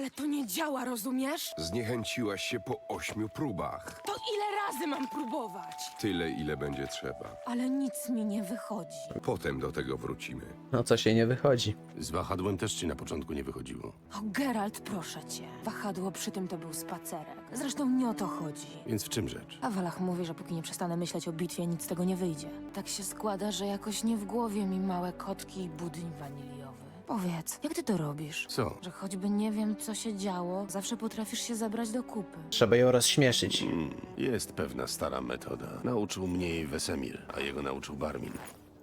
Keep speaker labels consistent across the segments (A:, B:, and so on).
A: Ale to nie działa, rozumiesz?
B: Zniechęciłaś się po 8 próbach.
A: To ile razy mam próbować?
B: Tyle, ile będzie trzeba.
A: Ale nic mi nie wychodzi.
B: Potem do tego wrócimy.
C: No co się nie wychodzi.
D: Z wahadłem też ci na początku nie wychodziło.
A: O, Geralt, proszę cię. Wahadło przy tym to był spacerek. Zresztą nie o to chodzi.
D: Więc w czym rzecz?
A: A Walach mówi, że póki nie przestanę myśleć o bitwie, nic z tego nie wyjdzie. Tak się składa, że jakoś nie w głowie mi małe kotki i budyń waniliowy. Powiedz, jak ty to robisz?
D: Co?
A: Że choćby nie wiem, co się działo, zawsze potrafisz się zabrać do kupy.
C: Trzeba ją rozśmieszyć.
D: Jest pewna stara metoda. Nauczył mnie jej Wesemir, a jego nauczył Barmin.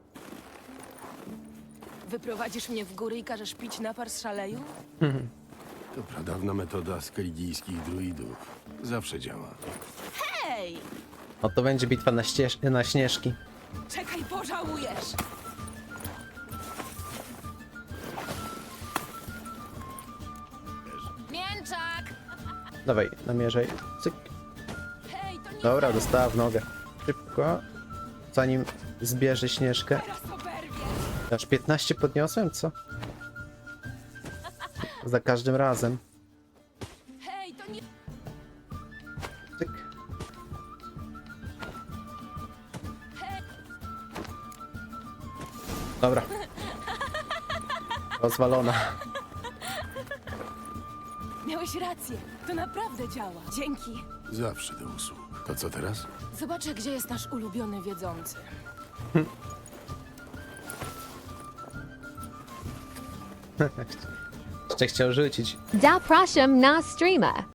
A: Wyprowadzisz mnie w góry i każesz pić napar z szaleju?
D: To pradawna metoda skelligijskich druidów. Zawsze działa.
A: Hej!
C: No to będzie bitwa na śnieżki.
A: Czekaj, pożałujesz! Mięczak!
C: Dawaj, namierzaj. Cyk.
A: Hej, to nie
C: Dobra, dostała w nogę. Szybko. Zanim zbierze śnieżkę.
A: teraz oberwie!
C: Aż 15 podniosłem, co? Za każdym razem.
A: Hej, to nie...
C: Cyk. Dobra. Rozwalona.
A: Miałeś rację. To naprawdę działa. Dzięki.
D: Zawsze do usług. To co teraz?
A: Zobaczę, gdzie jest nasz ulubiony wiedzący.
C: Jeszcze chciał rzucić.
E: Zapraszam na streama.